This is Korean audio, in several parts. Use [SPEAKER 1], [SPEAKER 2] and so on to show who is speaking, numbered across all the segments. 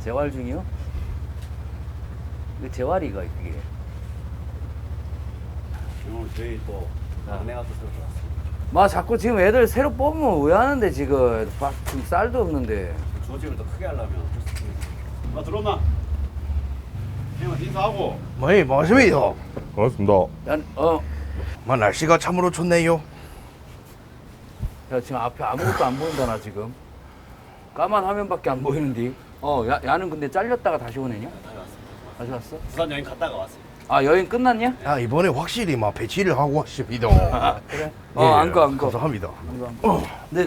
[SPEAKER 1] 재활 중이요? 그 재활이가 그게.
[SPEAKER 2] 오늘 저희 또 아내가 또 새로 들어왔습니다.
[SPEAKER 1] 마 자꾸 지금 애들 새로 뽑으면 왜 하는데 지금 지금 쌀도 없는데.
[SPEAKER 2] 조직을 더 크게 하려면 어쩔 수 없습니다. 들어오나? 형님 인사하고.
[SPEAKER 3] 뭐이 뭐십니까?
[SPEAKER 4] 반갑습니다.
[SPEAKER 3] 뭐 날씨가 참으로 좋네요.
[SPEAKER 1] 야 지금 앞에 아무것도 안 보인다 나 지금. 까만 화면밖에 안 보이는데. 야는 근데 잘렸다가 다시 오네냐? 다시 왔어?
[SPEAKER 2] 부산 여행 갔다가 왔어요.
[SPEAKER 1] 아 여행 끝났냐?
[SPEAKER 3] 야 이번에 확실히 막 배치를 하고 왔습니다.
[SPEAKER 1] 그래?
[SPEAKER 3] 예,
[SPEAKER 1] 안 가.
[SPEAKER 3] 감사합니다.
[SPEAKER 1] 근데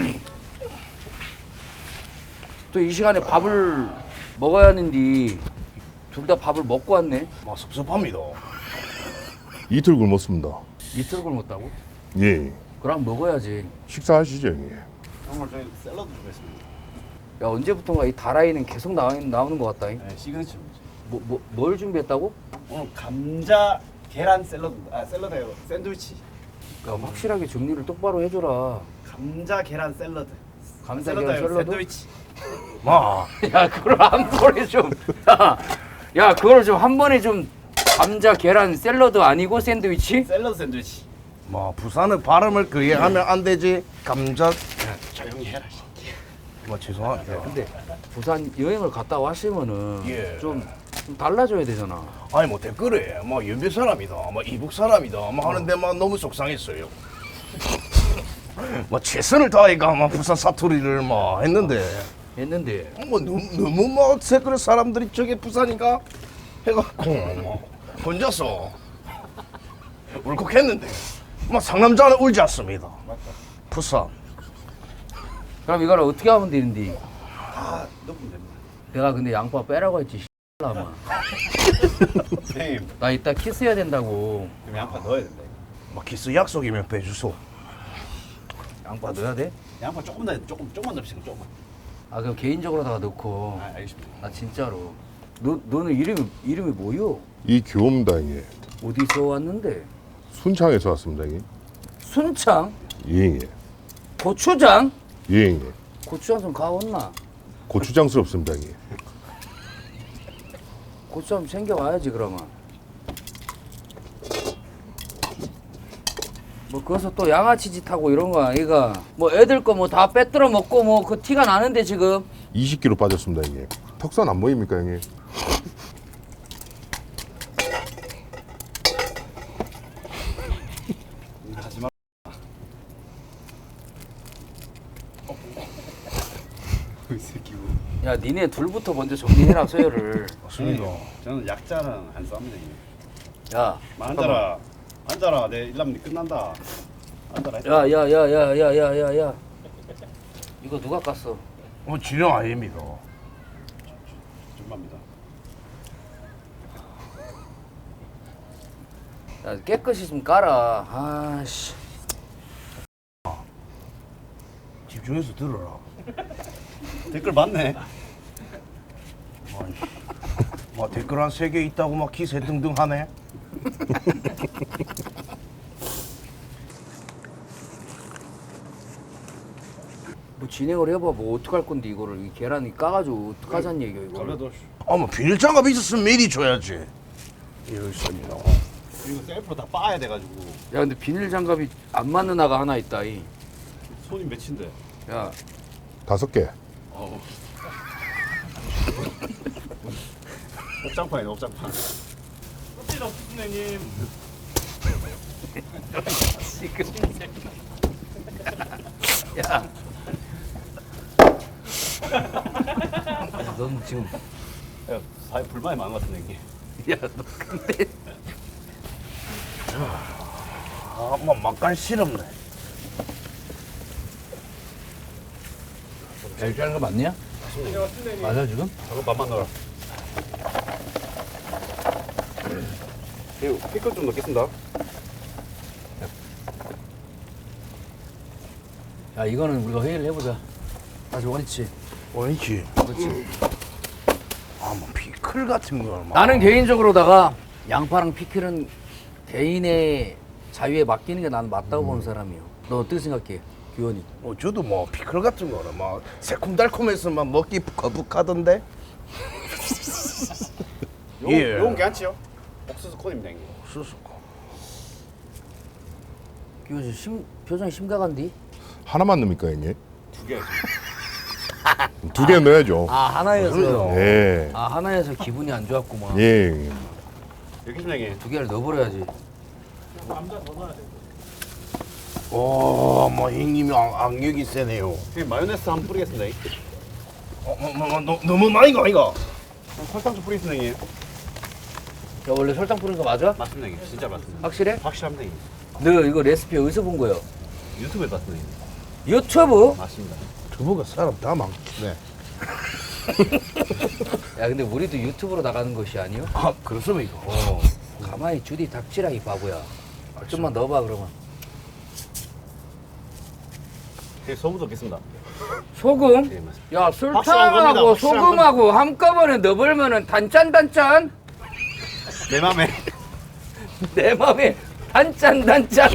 [SPEAKER 1] 또 이 시간에 밥을 먹어야 하는데 둘 다 밥을 먹고 왔네.
[SPEAKER 3] 막 섭섭합니다.
[SPEAKER 4] 이틀 굶었습니다.
[SPEAKER 1] 이틀 굶었다고?
[SPEAKER 4] 예.
[SPEAKER 1] 그럼 먹어야지.
[SPEAKER 4] 식사하시죠, 형님.
[SPEAKER 2] 오늘 저희 샐러드 준비했습니다.
[SPEAKER 1] 야 언제부턴가 이 다라이는 계속 나오는 것 같다.
[SPEAKER 2] 네, 시그니처.
[SPEAKER 1] 뭘 준비했다고?
[SPEAKER 2] 오늘 감자 계란 샐러드. 샐러드예요. 샌드위치.
[SPEAKER 1] 야, 확실하게 정리를 똑바로 해줘라.
[SPEAKER 2] 감자 계란 샐러드.
[SPEAKER 1] 감자 계란 샐러드?
[SPEAKER 2] 샌드위치.
[SPEAKER 3] 마
[SPEAKER 1] 야 그걸 한 번에 좀. 야 그걸 좀 한 번에 좀. 감자 계란 샐러드 아니고 샌드위치?
[SPEAKER 2] 샐러드 샌드위치.
[SPEAKER 3] 뭐 부산은 발음을 그게 하면 안 되지. 감자
[SPEAKER 2] 조용히 해라.
[SPEAKER 3] 뭐 죄송합니다.
[SPEAKER 1] 근데 부산 여행을 갔다 왔으면은
[SPEAKER 3] 예.
[SPEAKER 1] 좀 달라져야 되잖아.
[SPEAKER 3] 아니 뭐 댓글에 뭐 연배 사람이다, 뭐 이북 사람이다, 뭐 하는데 막 너무 속상했어요. 뭐 최선을 다해가 막 부산 사투리를 막 했는데 뭐 너무 막 댓글 사람들이 저게 부산이가 해갖고 뭐 혼자서 울컥했는데 막 상남자는 울지 않습니다. 부산.
[SPEAKER 1] 그럼 이걸 어떻게 하면 되는데?
[SPEAKER 2] 넣으면 됩니다.
[SPEAKER 1] 내가 근데 양파 빼라고 했지. 아마.
[SPEAKER 2] 선생님,
[SPEAKER 1] 나 이따 키스해야 된다고.
[SPEAKER 2] 그럼 양파 넣어야 된다.
[SPEAKER 3] 막 키스 약속이면 빼주소.
[SPEAKER 1] 양파 넣어야 돼?
[SPEAKER 2] 양파 조금만 넣읍시다. 조금만.
[SPEAKER 1] 아 그럼 개인적으로다가 넣고.
[SPEAKER 2] 알겠습니다.
[SPEAKER 1] 나 진짜로. 너는 이름이 뭐요?
[SPEAKER 4] 이교입니다, 형님.
[SPEAKER 1] 어디서 왔는데?
[SPEAKER 4] 순창에서 왔습니다, 형님.
[SPEAKER 1] 순창?
[SPEAKER 4] 예, 형님.
[SPEAKER 1] 고추장?
[SPEAKER 4] 예, 형님.
[SPEAKER 1] 고추장 좀 가왔나?
[SPEAKER 4] 고추장스럽습니다, 형님.
[SPEAKER 1] 고추장 좀 챙겨와야지 그러면. 뭐 거기서 또 양아치 짓하고 이런 거 아이가. 뭐 애들 거 뭐 다 빼들어 먹고 뭐 그 티가 나는데 지금.
[SPEAKER 4] 20kg 빠졌습니다, 형님. 턱선 안 보입니까, 형님?
[SPEAKER 2] 하지마. 이 새끼.
[SPEAKER 1] 야 니네 둘부터 먼저 정리해라 서열을.
[SPEAKER 3] 맞습니다.
[SPEAKER 2] 저는 약자는 안 쌉니다.
[SPEAKER 1] 야
[SPEAKER 2] 앉아라. 앉아라. 내 일남이 끝난다. 앉아라.
[SPEAKER 1] 야야야야야야야야 이거 누가 깠어?
[SPEAKER 3] 진영 아닙니다.
[SPEAKER 2] 준비합니다.
[SPEAKER 1] 야 깨끗이 좀 깔아. 아씨.
[SPEAKER 3] 집중해서 들어라.
[SPEAKER 2] 댓글 많네.
[SPEAKER 3] 막 댓글 한 3개 있다고 막 기세 등등 하네.
[SPEAKER 1] 뭐 진행을 해봐. 뭐 어떡할 건데 이거를 이 계란이 까가지고 어떡하자는 얘기야 이거.
[SPEAKER 2] 그래도
[SPEAKER 3] 뭐 비닐 장갑 있었으면 미리 줘야지. 이럴 셈이나.
[SPEAKER 2] 이거 셀프로 다 빠야 돼가지고
[SPEAKER 1] 야 근데 비닐 장갑이 안 맞는 아가 하나 있다 이.
[SPEAKER 2] 손이 몇인데.
[SPEAKER 1] 야
[SPEAKER 4] 5개.
[SPEAKER 2] 옥장판이네 옥장판. 껍질 없으네 님.
[SPEAKER 1] 야. 야, 넌 지금
[SPEAKER 2] 야, 사회 불만이 많은 것 같은데 이게.
[SPEAKER 1] 야, 너 근데
[SPEAKER 3] 뭐 막간 싫었네.
[SPEAKER 1] 이렇게 하는 거 맞냐? 맞아 지금?
[SPEAKER 2] 저거 밥만 넣어라. 이거 피클 좀 넣겠습니다.
[SPEAKER 1] 야, 이거는 우리가 회의를 해보자. 아주 원치.
[SPEAKER 3] 원치.
[SPEAKER 1] 그렇지.
[SPEAKER 3] 뭐 피클 같은 걸 막.
[SPEAKER 1] 나는 개인적으로다가 양파랑 피클은 개인의 자유에 맡기는 게 나는 맞다고 보는 사람이요. 너 어떻게 생각해, 규현이?
[SPEAKER 3] 저도 뭐 피클 같은 거는 막 새콤달콤해서 막 먹기 거북하던데. 예.
[SPEAKER 2] 요건 괜찮지요? 옥수수 콘입니다 형님.
[SPEAKER 3] 옥수수고.
[SPEAKER 1] 이거 표정이 심각한디?
[SPEAKER 4] 하나만 넣습니까 형님?
[SPEAKER 2] 2개.
[SPEAKER 4] 2개 넣어야죠.
[SPEAKER 1] 아 하나여서.
[SPEAKER 4] 예.
[SPEAKER 1] 아 하나여서 기분이 안 좋았구만.
[SPEAKER 4] 예 형님.
[SPEAKER 2] 여기 있습니다 형님.
[SPEAKER 1] 2개를 넣어버려야지.
[SPEAKER 3] 오, 뭐 형님이 악력이 세네요.
[SPEAKER 2] 형님 마요네즈 한번 뿌리겠습니다.
[SPEAKER 3] 너무 많이 가 이거.
[SPEAKER 2] 설탕 좀 뿌리겠습니다 형님.
[SPEAKER 1] 야 원래 설탕 뿌린 거 맞아?
[SPEAKER 2] 맞습니다 형님. 진짜 맞습니다.
[SPEAKER 1] 확실해?
[SPEAKER 2] 확실합니다 형님.
[SPEAKER 1] 너 이거 레시피 어디서 본 거요?
[SPEAKER 2] 유튜브에 봤습니다 형님.
[SPEAKER 1] 유튜브?
[SPEAKER 2] 맞습니다.
[SPEAKER 3] 두부가 사람 다 많네.
[SPEAKER 1] 야 근데 우리도 유튜브로 나가는 것이 아니요?
[SPEAKER 3] 아, 그렇습니까?
[SPEAKER 1] 가만히 주디 닥치라 이 바보야. 좀만 넣어봐 그러면.
[SPEAKER 2] 형님 소금 넣겠습니다.
[SPEAKER 1] 소금?
[SPEAKER 2] 예 맞습니다.
[SPEAKER 1] 야
[SPEAKER 2] 확실한 겁니다.
[SPEAKER 1] 설탕하고
[SPEAKER 2] 확실한
[SPEAKER 1] 소금하고 한꺼번에 넣어버리면은 단짠단짠.
[SPEAKER 2] 내 맘에.
[SPEAKER 1] 내 맘에 단짠단짠.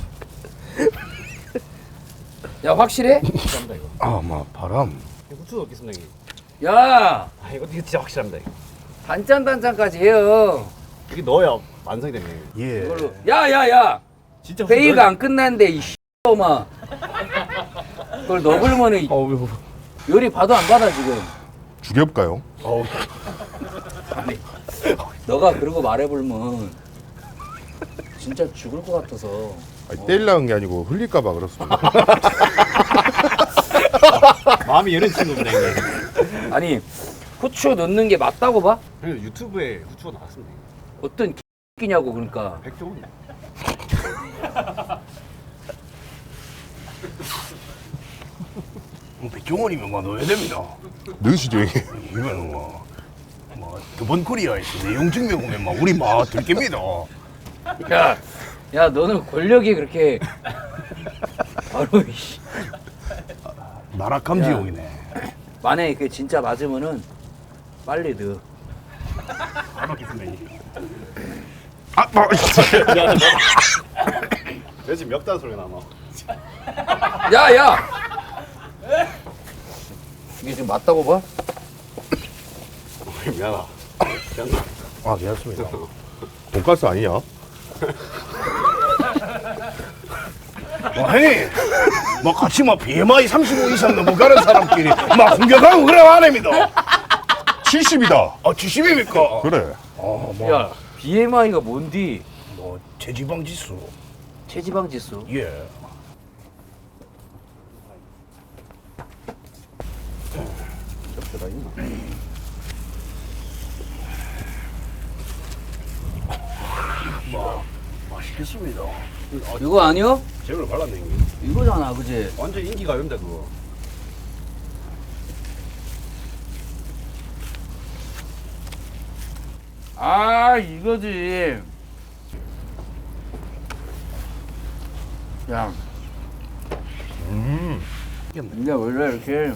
[SPEAKER 1] 야 확실해?
[SPEAKER 2] 확실합니다 이거.
[SPEAKER 3] 아, 막 바람.
[SPEAKER 2] 후추 넣겠습니다 형님.
[SPEAKER 1] 야
[SPEAKER 2] 아 이거 진짜 확실합니다 이거.
[SPEAKER 1] 단짠단짠까지 해요.
[SPEAKER 2] 여기 넣어야 완성이 됩니다 형님.
[SPEAKER 3] 예.
[SPEAKER 1] 이걸로. 야야야.
[SPEAKER 2] 진짜 후추
[SPEAKER 1] 회의가
[SPEAKER 2] 넣어야
[SPEAKER 1] 안 끝났는데 이 씨X마. 그걸 넣어버리면은
[SPEAKER 3] 어우,
[SPEAKER 1] 요리 봐도 안 받아 지금.
[SPEAKER 4] 죽여볼까요?
[SPEAKER 3] 어우.
[SPEAKER 1] 너가 그러고 말해보면 진짜 죽을 것 같아서.
[SPEAKER 4] 아니, 때리려는 게 아니고 흘릴까봐 그렇습니다.
[SPEAKER 2] 마음이 여는 친구입니다 형님.
[SPEAKER 1] 아니 후추 넣는 게 맞다고 봐?
[SPEAKER 2] 형님 유튜브에 후추가 나왔습니다 형님.
[SPEAKER 1] 어떤 끼냐고 그러니까.
[SPEAKER 2] 백종원.
[SPEAKER 3] 백종원이면 뭐 넣어야 됩니다.
[SPEAKER 4] 넣으시죠 형님.
[SPEAKER 3] 이거는 두번 코리아에서 내용 증명 오면 막 우리 막 들깁니다.
[SPEAKER 1] 야 너는 권력이 그렇게 바로 이씨.
[SPEAKER 3] 나락감
[SPEAKER 1] 야.
[SPEAKER 3] 지옥이네.
[SPEAKER 1] 만약에 그게 진짜 맞으면은 빨리 넣어.
[SPEAKER 2] 잘 먹겠습니다 형님.
[SPEAKER 3] 아, 뭐,
[SPEAKER 2] 내 지금 멱단 소리가 나마.
[SPEAKER 1] 야야. 이게 지금 맞다고 봐?
[SPEAKER 2] 미안하다. 미안하다.
[SPEAKER 3] 아, 괜찮습니다.
[SPEAKER 4] 돈가스 아니냐?
[SPEAKER 3] 형님, 뭐 같이 막 BMI 35 이상 넘어가는 사람끼리 막 공격하고 그래 안 합니다.
[SPEAKER 4] 70이다.
[SPEAKER 3] 아, 70입니까?
[SPEAKER 4] 그래.
[SPEAKER 1] 야 BMI가 뭔디?
[SPEAKER 3] 뭐 체지방 지수.
[SPEAKER 1] 체지방 지수.
[SPEAKER 3] 예. 맛있겠습니다.
[SPEAKER 1] 이거 아니요?
[SPEAKER 2] 제대로 발랐네 형님.
[SPEAKER 1] 이거잖아 그지?
[SPEAKER 2] 완전 인기가요입니다 그거.
[SPEAKER 1] 아 이거지. 야. 이게 원래 이렇게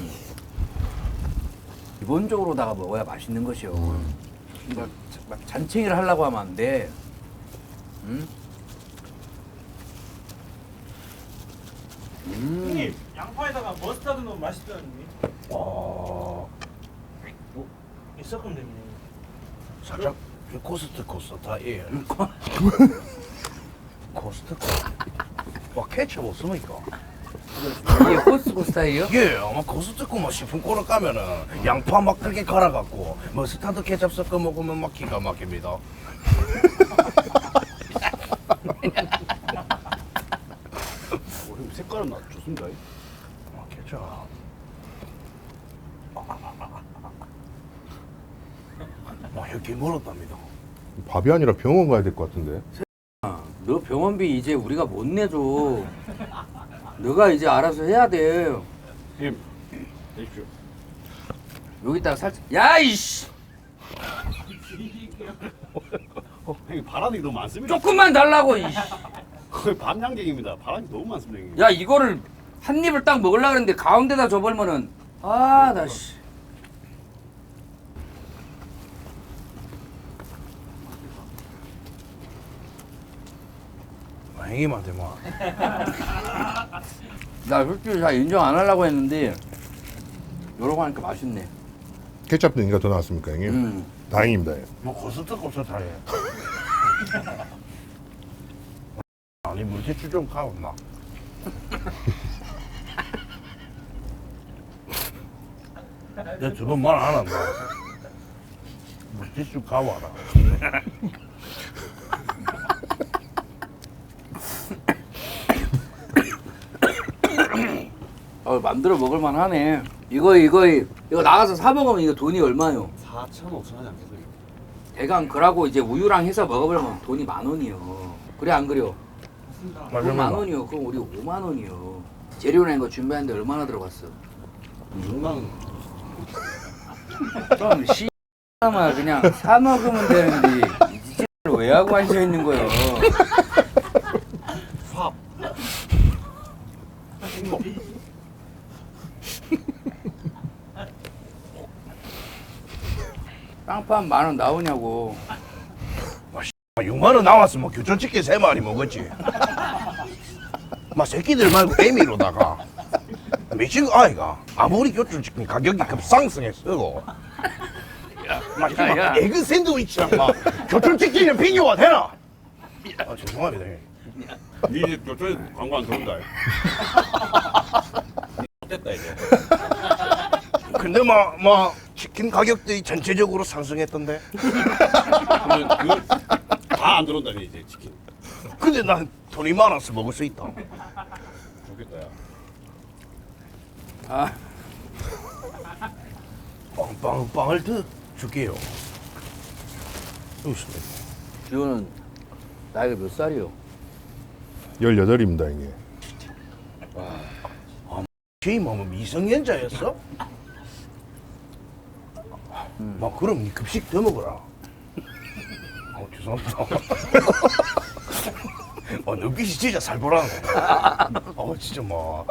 [SPEAKER 1] 기본적으로다가 먹어야 맛있는 것이요. 그러니까 막 잔챙이를 하려고 하면 안 돼. 응?
[SPEAKER 5] 형님 양파에다가 머스타드 넣으면 맛있다는 이 섞으면 됩니다.
[SPEAKER 3] 살짝 코스트 다 예. 코스트 와 케첩 없습니까?
[SPEAKER 1] 이게 코스코 스타일이요?
[SPEAKER 3] 예, 아마 코스트코 막 식품코너 가면은 양파 막 그렇게 갈아갖고 머스타드 케첩 섞어 먹으면 막 기가 막힙니다.
[SPEAKER 2] 형 색깔은 나 좋습니다.
[SPEAKER 3] 아, 케첩. 와, 여기 멀었답니다.
[SPEAKER 4] 밥이 아니라 병원 가야 될 것 같은데.
[SPEAKER 1] 너 병원비 이제 우리가 못 내줘. 너가 이제 알아서 해야 돼.
[SPEAKER 2] 형님 내십시오.
[SPEAKER 1] 여기다가 살짝. 야 이씨.
[SPEAKER 2] 형님 바람이 너무 많습니다.
[SPEAKER 1] 조금만 달라고. 이씨.
[SPEAKER 2] 거의 밤양갱입니다. 바람이 너무 많습니다 형님.
[SPEAKER 1] 야 이거를 한 입을 딱 먹으려고 그랬는데 가운데다 줘버리면은 나 씨.
[SPEAKER 3] 형님한테 막
[SPEAKER 1] 나 솔직히 잘 인정 안 하려고 했는데 요러고 하니까 맛있네.
[SPEAKER 4] 케첩 넣으니까 더 나왔습니까 형님? 다행입니다. 예.
[SPEAKER 3] 뭐 고스톱하네. 아니 물티슈 좀 가온나. 내가 저번 말 안 한다. 물티슈 가와라.
[SPEAKER 1] 만들어 먹을만 하네. 이거 나가서 사 먹으면 이거 돈이 얼마요?
[SPEAKER 2] 4,000-5,000원이 안 계세요.
[SPEAKER 1] 대강 그러고 이제 우유랑 해서 먹어보면 돈이 10,000원이요. 그래 안 그래요? 그럼 10,000원이요. 그럼 우리 50,000원이요. 재료나 이거 준비하는데 얼마나 들어갔어?
[SPEAKER 2] 6만 원.
[SPEAKER 1] 그럼 씨X마 그냥 사 먹으면 되는데 이 짓을 왜 하고 앉아 있는 거예요?
[SPEAKER 2] 밥.
[SPEAKER 1] 빵판 10,000원 나오냐고.
[SPEAKER 3] 6만 원 나왔으면 교촌치킨 3마리 먹었지. 막 새끼들 말고 애미로다가 미친 거 아이가. 아무리 교촌치킨 가격이 급상승했어도 막 에그 샌드위치랑 막 교촌치킨이랑 비교가 되나? 아 죄송합니다.
[SPEAKER 2] 니집 교촌에 광고 안 들어온다. 됐다 이제.
[SPEAKER 3] 근데 막 치킨 가격들이 전체적으로 상승했던데.
[SPEAKER 2] 다 안 들어온다니 이제 치킨.
[SPEAKER 3] 근데 난 돈이 많아서 먹을 수 있다.
[SPEAKER 2] 좋겠다 야.
[SPEAKER 1] 아,
[SPEAKER 3] 빵을 더 줄게요. 여기 있습니다.
[SPEAKER 1] 지호는 나이가 몇 살이요?
[SPEAKER 4] 18입니다, 형님.
[SPEAKER 3] 제이맘은 미성년자였어? 막 그럼 니 급식 더 먹어라. 죄송합니다. 눈빛이 진짜 살벌하네. 진짜 막.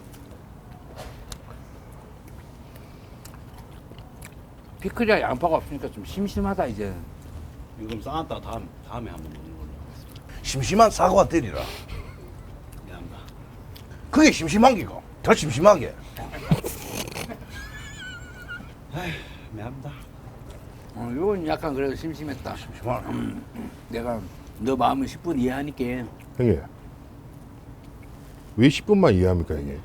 [SPEAKER 1] 피클이랑 양파가 없으니까 좀 심심하다 이제.
[SPEAKER 2] 임금 쌓았다 다음에 한번 먹는 걸로.
[SPEAKER 3] 심심한 사과 때리라.
[SPEAKER 2] 미안합니다.
[SPEAKER 3] 그게 심심한 게가. 더 심심하게.
[SPEAKER 2] 미안합니다.
[SPEAKER 1] 이건 약간 그래도 심심했다.
[SPEAKER 3] 심심하네.
[SPEAKER 1] 내가 너 마음을 10분 이해하니까.
[SPEAKER 4] 형님. 왜 10분만 이해합니까, 형님?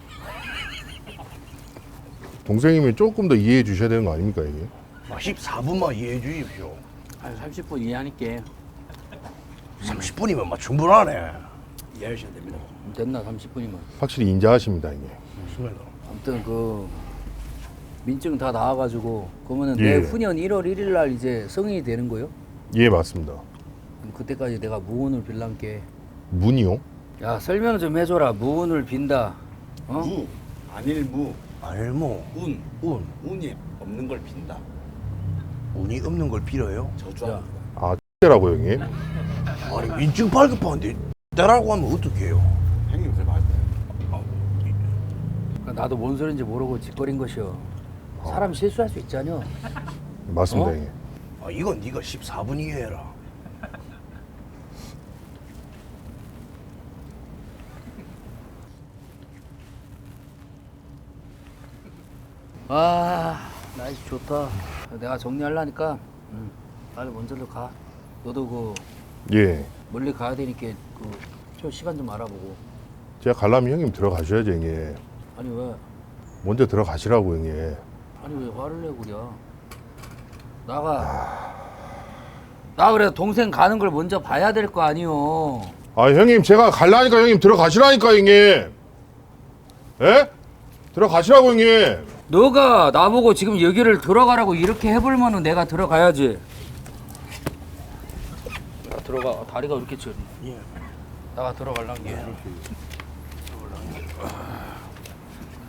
[SPEAKER 4] 동생이면 조금 더 이해해 주셔야 되는 거 아닙니까, 형님?
[SPEAKER 3] 14분만 이해해 주십시오.
[SPEAKER 1] 한 30분 이해하니까.
[SPEAKER 3] 30분이면 막 충분하네.
[SPEAKER 2] 이해하셔야 됩니다.
[SPEAKER 1] 됐나 30분이면.
[SPEAKER 4] 확실히 인자하십니다, 형님.
[SPEAKER 3] 좋습니다.
[SPEAKER 1] 아무튼 그 민증 다 나와가지고 그러면은
[SPEAKER 4] 예.
[SPEAKER 1] 내후년 1월 1일 날 이제 성인이 되는 거요?
[SPEAKER 4] 예, 맞습니다.
[SPEAKER 1] 그럼 그때까지 내가 무운을 빌란게.
[SPEAKER 4] 문이요?
[SPEAKER 1] 야 설명 좀 해줘라. 무운을 빈다. 어?
[SPEAKER 2] 무 안일무
[SPEAKER 3] 알모.
[SPEAKER 2] 운
[SPEAKER 3] 운.
[SPEAKER 2] 운이 없는 걸 빈다.
[SPEAKER 3] 운이 없는 걸 빌어요?
[SPEAKER 2] 저주합니다.
[SPEAKER 4] 라고 형님?
[SPEAKER 3] 아니 민증 발급하는데 때라고 하면 어떡해요?
[SPEAKER 2] 형님 그래 맞다.
[SPEAKER 1] 그러니까 나도 뭔 소린지 모르고 짓거린 것이여. 사람 실수할 수 있잖여.
[SPEAKER 4] 맞습니다,
[SPEAKER 1] 어?
[SPEAKER 4] 형님.
[SPEAKER 3] 이건 네가 14분 이해해라.
[SPEAKER 1] 아 날씨 좋다. 내가 정리하려니까 빨리 먼저로 가. 너도 그
[SPEAKER 4] 예.
[SPEAKER 1] 멀리 가야 되니까 좀 시간 좀 알아보고.
[SPEAKER 4] 제가 가려면 형님 들어가셔야죠, 형님.
[SPEAKER 1] 아니 왜?
[SPEAKER 4] 먼저 들어가시라고, 형님.
[SPEAKER 1] 아니 왜 화를 내고 그래? 나 그래 동생 가는 걸 먼저 봐야 될 거 아니오.
[SPEAKER 4] 아, 형님, 제가 가려니까 형님 들어가시라니까, 형님. 예? 들어가시라고, 형님.
[SPEAKER 1] 너가 나보고 지금 여기를 들어가라고 이렇게 해볼면은 내가 들어가야지. 나 들어가. 다리가 왜 이렇게 저?
[SPEAKER 3] 예.
[SPEAKER 1] 나가 들어갈란 게.